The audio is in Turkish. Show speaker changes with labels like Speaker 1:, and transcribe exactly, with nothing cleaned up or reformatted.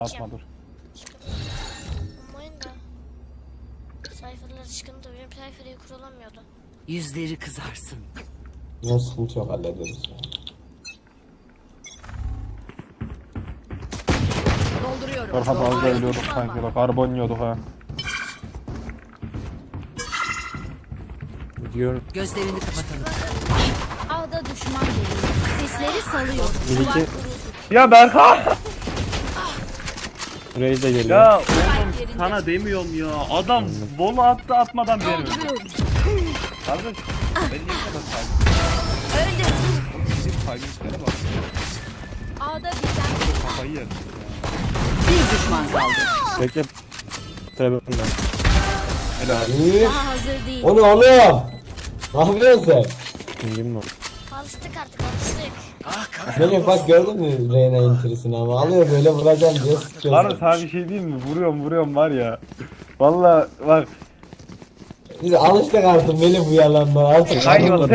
Speaker 1: Atma dur.
Speaker 2: Olmayın da. Sayfaları sıkıntı. Benim sayfayı kurulamıyordu.
Speaker 3: Yüzleri kızarsın.
Speaker 4: Ne sıkıntı yok, hallederiz ya.
Speaker 3: Dolduruyorum.
Speaker 1: Berkat az da ölüyorduk sanki bak. Karbon yiyorduk ha.
Speaker 4: Gidiyorum.
Speaker 3: Gözlerini kapatalım.
Speaker 5: Ağda düşman geliyor. Sesleri salıyor.
Speaker 4: Bir
Speaker 5: Duvar
Speaker 4: iki
Speaker 5: kuruldu.
Speaker 1: Ya Berkat!
Speaker 4: Reis de geliyor.
Speaker 1: Ya oğlum sana demiyorum ya. Adam bolu attı atmadan beni öldü.
Speaker 5: Dolduruyorum.
Speaker 1: Kardeş ben niye bu kadar saygı?
Speaker 5: Öldü.
Speaker 1: Bizim saygımızlara bak.
Speaker 5: Ağda birden
Speaker 1: Kafayı yerim.
Speaker 3: Bir düşman kaldı.
Speaker 4: Bekle. Trebek'ten.
Speaker 1: Helal.
Speaker 4: İyi.
Speaker 5: daha hazır değil.
Speaker 4: O ne oğlum? Ne yapıyorsun sen? Kim o?
Speaker 2: Alıştık artık alıştık.
Speaker 4: Melih bak gördün mü Reyna intirisini ama alıyor böyle vuracağım diye sıkıyor.
Speaker 1: Var mı sana bir şey diyeyim mi? Vuruyorum vuruyorum var ya. Valla bak.
Speaker 4: Biz alıştık artık Melih bu yalandan artık.
Speaker 1: Hayır,